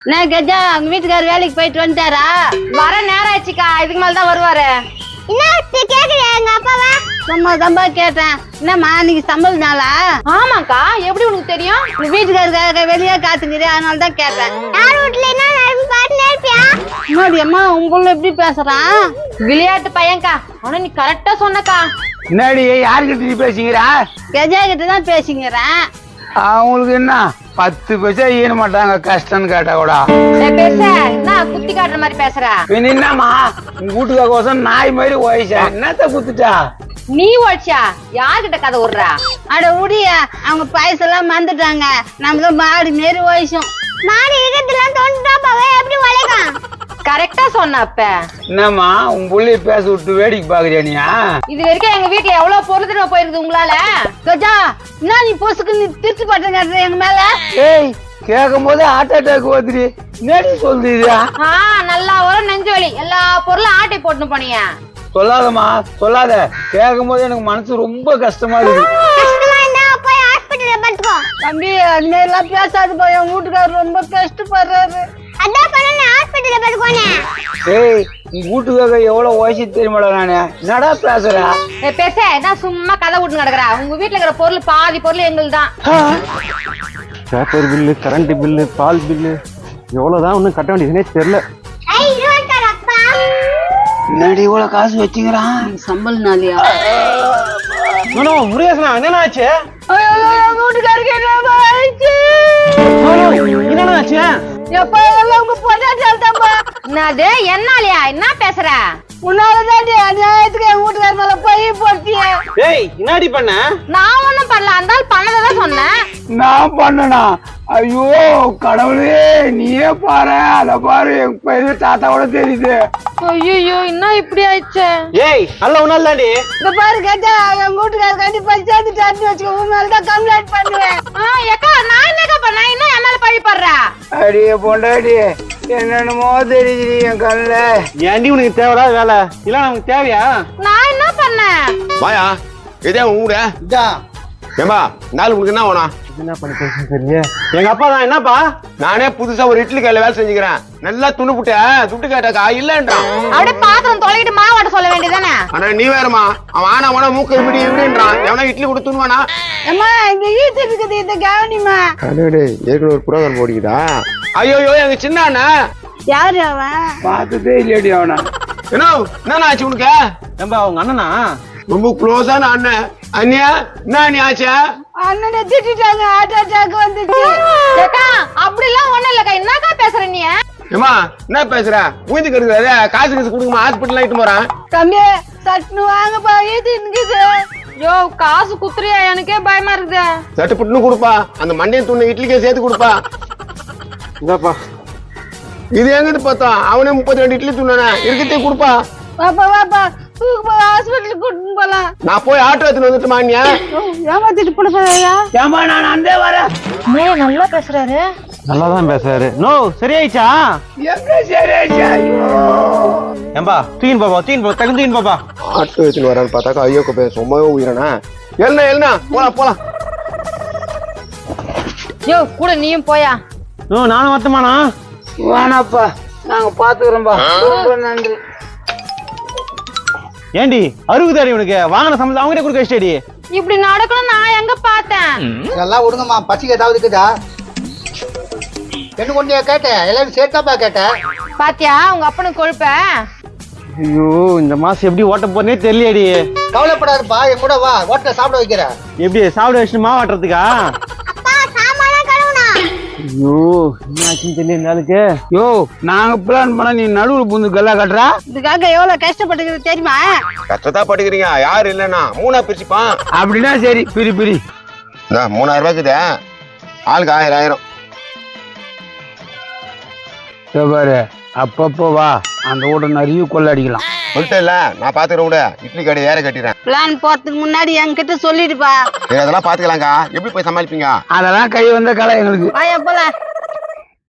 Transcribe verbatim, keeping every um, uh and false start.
நான் கஜா உங்க வீட்டுக்காரர் வேலைக்கு போயிட்டு வந்துட்டாரா? வர நேரம் ஆச்சுக்கா, இதுக்கு மேல தான் வருவாரு. என்ன கேக்குறியா எங்க அப்பாவா? சும்மா தம்பா கேட்டேன். என்னம்மா நீங்க சம்பளம் நாளா? ஆமாக்கா, எப்படி உனக்கு தெரியும்? உங்க வீட்டுக்காரருக்காக வெளியே காத்துக்கிறே, அதனால தான் கேட்டேன். யார் வீட்டுல என்ன நடந்து பாட்டுல இருப்பியா? முன்னாடி அம்மா உங்க புள்ள எப்படி பேசுறான்? விளையாட்டு பையன்க்கா, ஆனா நீ கரெக்டா சொன்னக்கா. முன்னாடி யாருக்கிட்ட நீ பேசிக்கிறா? கஜா கிட்ட தான் பேசிக்கிறேன். அவங்களுக்கு என்ன பத்து பைசா ஈன மாட்டாங்க கஷ்டம்னு கேட்டா கூட. பேச என்ன குத்தி காட்டுற மாதிரி பேசுற? என்னம்மா உங்க வீட்டுக்காரன் நாய் மாதிரி வயசா என்னத்த குத்துட்டா? நீ ஓடிச்சா? யார்கிட்ட கதை விடுறா? அட உடியா, அவங்க பைசெல்லாம் மறந்துட்டாங்க. நமக்கு மாடு மாரி வயசும். மாடு இருக்கதெல்லாம் தோண்டுட்டா பாவே எப்படி வளைக்கும்? கரெக்டா சொன்ன. அப்ப என்னம்மா உங்க புள்ளைய பேச விட்டு வேடிக்கை பாக்குறியா நீ? இது வரைக்கும் எங்க வீட்டுல எவ்வளவு பொருள் திரும்ப போயிருக்குது உங்களால. கஜா என்ன நீ பொசுக்கு நீ திருச்சி பட்ட எங்க மேல? ஏய் கேட்கும் போதே ஹார்ட் அட்டாக் வந்துரு. நேடி சொல்லுதா? ஆஹ் நல்லா வரும் நெஞ்சு வலி. எல்லா பொருளும் ஆட்டை போட்டு போனீங்க. சொல்லாதம்மா சொல்லாத. கேட்கும் போது எனக்கு மனசு ரொம்ப கஷ்டமா இருக்கு. கஷ்டமா இருந்தா போய் ஹாஸ்பிடல்ல படுத்துக்கோ. தம்பி அந்த மாதிரி எல்லாம் பேசாது போய். என் வீட்டுக்காரர் ரொம்ப கஷ்டப்படுறாரு. அதான் பண்ண ஹாஸ்பிடல்ல படுக்கோனே. ஏய் உங்க வீட்டுக்காக எவ்வளவு வயசு தெரியுமாடா நானு? என்னடா பேசுற? பேச என்ன சும்மா கதை விட்டு நடக்கிறா? உங்க வீட்டுல இருக்கிற பொருள் பாதி பொருள் எங்களுக்கு தான். பேப்பர் பில்லு, கரண்ட் பில்லு, பால் பில்லு எவ்வளவுதான் ஒன்றும் கட்ட வேண்டியதுனே தெரியல. ஐ இருக்கார் அப்பா. முன்னாடி இவ்வளவு காசு வச்சுக்கிறான். சம்பளம் நாளியா? முருகேசனா என்ன ஆச்சு? வீட்டுக்காரருக்கு என்ன ஆயிடுச்சு? என்ன ஆச்சு? எப்ப எல்லாம் உங்க பொண்டாட்டியால் தான்பா. என்னது என்னாலயா? என்ன பேசுற? உன்னாலதாண்டி அநியாயத்துக்கு என் வீட்டுக்கார மேல போய் போட்டிய. ஏய் என்னடி பண்ண? நான் ஒண்ணும் பண்ணல, அந்த ஆள் பண்ணதான் சொன்னேன். நான் பண்ணனா? ஐயோ கடவுளே நீயே பாரு. அத பாரு என் பெரிய தாத்தாவோட தெரியுது. ஐயோ என்ன இப்படி ஆயிடுச்சு? ஏய் அல்ல உன்னால தாண்டி. இந்த பாரு கேட்டா என் வீட்டுக்கார கண்டிப்பா சேர்த்துட்டாருன்னு வச்சுக்கோ, உன் மேலதான் கம்ப்ளைண்ட் பண்ணுவேன். ஏக்கா நான் என்னக்கா பண்ண? இன்னும் என் மேல பழி போடுறா? அடியே பொண்டாடி என்னென்னமோ தெரியுது என் கண்ணுல. ஏண்டி உனக்கு தேவையா வேலை? இல்ல நமக்கு தேவையா? நான் என்ன பண்ணேன்? வாயா இதே ஊட ஏம்பா நாலு உனக்கு என்ன வேணும்? என்ன பண்ணி பேச தெரியல. எங்க அப்பா தான். என்னப்பா? நானே புதுசா ஒரு இட்லி கடையில வேலை செஞ்சுக்கிறேன். நல்லா துணு புட்ட துட்டு கேட்டாக்கா இல்லன்றான். அப்படியே பாத்திரம் தொலைகிட்டு மாவாட்ட சொல்ல வேண்டியதானே? ஆனா நீ வேறமா அவன் ஆனா வேணா மூக்க இப்படி இப்படின்றான். எவனா இட்லி கூட துணுவானா? அம்மா இங்க ஈத்து இருக்குது, இந்த கவனிமா. அடே ஏற்கனவே ஒரு புரோகிராம் போடிக்கிட்டா. ஐயோ எங்க சின்ன அண்ணா. யாரு அவன்? பார்த்ததே இல்லையடி அவனா. என்ன என்ன ஆச்சு உனக்கு? ஏம்பா உங்க அண்ணனா? ரொம்ப க்ளோஸான அண்ணன். அண்ணியா என்ன நீ ஆச்சா? அண்ணனை திட்டாங்க, ஹார்ட் அட்டாக் வந்துச்சு. ஏக்கா அப்படி எல்லாம் ஒண்ணும் இல்லக்கா. என்னக்கா பேசுற நீ? ஏமா என்ன பேசுற? ஊந்துக்கு இருக்குது காசு காசு கொடுக்குமா ஹாஸ்பிட்டல் ஆயிட்டு போறான். தம்பி சட்னு வாங்கப்பா, ஈத்து இருக்குது. யோ காசு குத்துறியா? எனக்கே பயமா இருக்குது. சட்டு புட்டுன்னு கொடுப்பா. அந்த மண்டையை துண்ணு இட்லிக்கே சேர்த்து கொடுப்பா. இதாப்பா. இது எங்கிட்டு பார்த்தா அவனே முப்பத்தி ரெண்டு இட்லி துண்ணானே இருக்கத்தே கொடுப்பா. வாப்பா வாப்பா தூக்கு போய் ஹாஸ்பிட்டலுக்கு கூட்டிட்டு போலாம். நான் போய் ஆட்டோ எடுத்துட்டு வந்துட்டு மானியா? ஏமாத்திட்டு போடுறியா? ஏமா நான் அந்தே வரேன். நல்லா பேசுறாரு. நல்லாதான் பேசுறாரு. நோ சரியாயிச்சா? எங்க சரியாச்சா? ஏம்பா தூயின் பாப்பா தூயின் பாப்பா தகுந்த தூயின் பாப்பா. ஆட்டோ எடுத்துட்டு வரான்னு பார்த்தாக்கா ஐயோ பே சும்மாவே உயிரனா. எழுனா எழுனா போலாம் போலாம். யோ கூட நீயும் போயா? நோ நானும் வரட்டுமாண்ணா? வேணாப்பா நாங்க பாத்துக்கிறோம்பா. ரொம்ப நன்றி. ஏண்டி அறுபதாடி உனக்கு வாங்கின சம்பளம் அவங்ககிட்ட கொடுக்க வச்சிட்டடி. இப்படி நடக்கணும் நான் எங்க பார்த்தேன்? இதெல்லாம் விடுங்கம்மா. பசிக்கு ஏதாவது இருக்குதா? என்ன கொண்டு கேட்டேன்? எல்லாரும் சேர்த்தாப்பா கேட்டேன். பாத்தியா உங்க அப்பனுக்கு கொழுப்ப? ஐயோ இந்த மாசம் எப்படி ஓட்ட போறனே தெரியலடி. கவலைப்படாதுப்பா, என் கூட வா, ஹோட்டல சாப்பிட வைக்கிறேன். எப்படி சாப்பிட வச்சுட்டு மாவாட்டுறதுக்கா? அப்பா சாமான கழுவுனா. ஐயோ என்ன ஆச்சுன்னு தெரியல இந்த ஆளுக்கு. யோ நாங்க பிளான் பண்ண நீ நடுவுல புந்து கல்லா கட்டுறா. இதுக்காக எவ்வளவு கஷ்டப்பட்டுக்கிறது தெரியுமா? கஷ்டத்தா பட்டுக்கிறீங்க. யாரு இல்லன்னா மூணா பிரிச்சுப்பான். அப்படின்னா சரி பிரி பிரி. மூணாயிரம் ரூபாய்க்குதே ஆளுக்கு ஆயிரம் ஆயிரம். பாரு அப்பப்போ வா, அந்த வீட்டை நிறைய கொள்ள அடிக்கலாம். சொல்லிட்டேன்ல நான் பாத்துக்கிறேன். விட இட்லி கடை ஏற கட்டிடுறேன். பிளான் போறதுக்கு முன்னாடி என்கிட்ட சொல்லிடுப்பா. அதெல்லாம் பாத்துக்கலாங்க. எப்படி போய் சமாளிப்பீங்க? அதெல்லாம் கை வந்த கலை எங்களுக்கு. வாயா போலாம்.